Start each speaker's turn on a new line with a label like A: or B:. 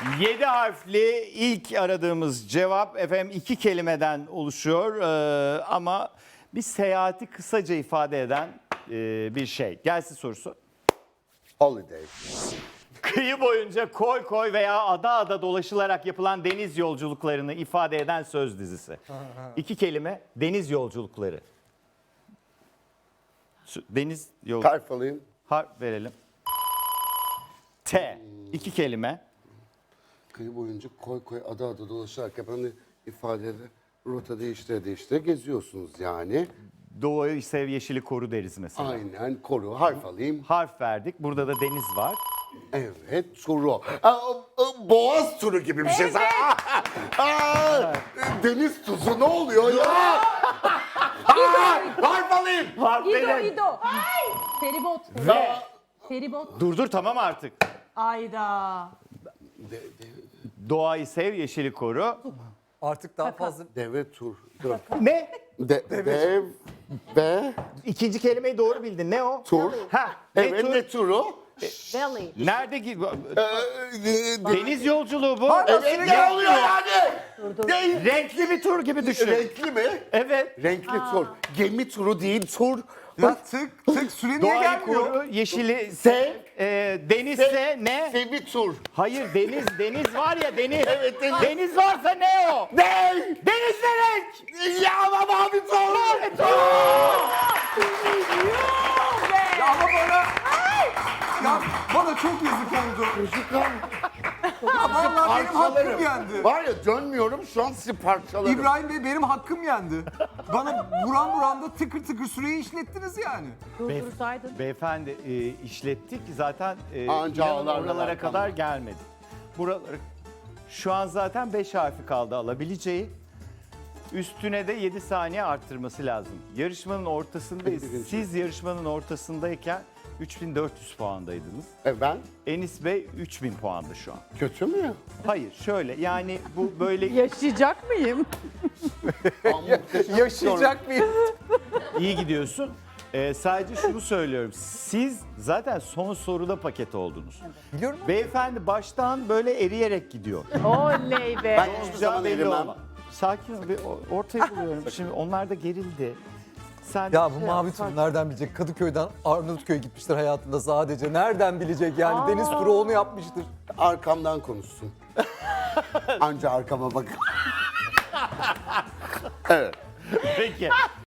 A: 7 harfli ilk aradığımız cevap efendim 2 kelimeden oluşuyor ama bir seyahati kısaca ifade eden bir şey. Gelsin sorusu.
B: Holiday.
A: Kıyı boyunca koy koy veya ada ada dolaşılarak yapılan deniz yolculuklarını ifade eden söz dizisi. 2 kelime deniz yolculukları. Deniz yol
B: Harf alayım.
A: harf verelim. T. 2 kelime.
B: Kıyı boyunca koy koy ada ada dolaşarak hani ifadede rota değiştire geziyorsunuz yani.
A: Doğayı sev yeşili koru deriz mesela.
B: Aynen koru. Harf alayım.
A: Harf verdik. Burada da deniz var.
B: Evet turu. Boğaz turu gibi bir şey. Deniz tuzu ne oluyor ya? Harf alayım.
A: Harf
C: İdo,
A: verelim.
C: İdo. Feribot.
A: Ve
C: Feribot.
A: dur tamam artık.
C: Ayda.
A: Doğayı sev yeşili koru.
D: Artık daha fazla
B: Deve tur. Dur.
A: Ne?
B: Dev ve
A: İkinci kelimeyi doğru bildin. Ne o?
B: tur.
A: Ha. Ne
B: Evet
A: tur?
B: ne turu?
C: Valley.
A: Nerede ki?
B: Deniz.
A: Deniz yolculuğu bu.
B: Evet ne oluyor yani?
A: Renkli bir tur gibi düşün.
B: Renkli mi?
A: Evet.
B: Renkli tur. Gemi turu değil tur.
D: ya tık süre niye
A: Doğayı
D: gelmiyor?
A: koru, yeşili
B: Sev.
A: denizse ne?
B: Sevi tur.
A: Hayır deniz var ya deniz.
B: Evet, deniz.
A: Deniz varsa ne o?
B: Ne?
A: Deniz ne renk?
B: Ya ama mavi tur.
D: Ya ama bana çok yazık oldu. Ya vallahi benim hakkım yendi.
B: Var ya dönmüyorum şu an sizi parçalarım.
D: İbrahim Bey benim hakkım yendi. Bana buram da tıkır tıkır süreyi işlettiniz yani.
C: Durdursaydın.
A: Beyefendi işlettik zaten
B: Anca
A: inanın
B: ağlar
A: oralara
B: neler
A: kadar
B: kaldı.
A: gelmedi. Buraları şu an zaten 5 harfi kaldı alabileceği. Üstüne de 7 saniye arttırması lazım. Yarışmanın ortasındayız. Siz yarışmanın ortasındayken 3400 puandaydınız.
B: Ben
A: Enis Bey 3000 puanda şu an.
B: kötü mü?
A: Hayır şöyle yani bu böyle
C: Yaşayacak mıyım?
D: Yaşayacak mıyım?
A: iyi gidiyorsun. Sadece şunu söylüyorum. Siz zaten son soruda paket oldunuz.
D: Biliyorum.
A: Beyefendi baştan böyle eriyerek gidiyor.
C: Oley be.
B: Ben hiçbir zaman
A: Belli
B: erimem.
A: olmaz. Sakin ol. Bir ortayı buluyorum. Şimdi onlar da gerildi. Sen
D: Ya bu
A: şey
D: mavi
A: yap,
D: tur nereden bilecek? Kadıköy'den Arnavutköy'e gitmiştir hayatında sadece. Nereden bilecek yani? Deniz turu onu yapmıştır.
B: Arkamdan konuşsun. Anca arkama bak. Evet.
A: Peki.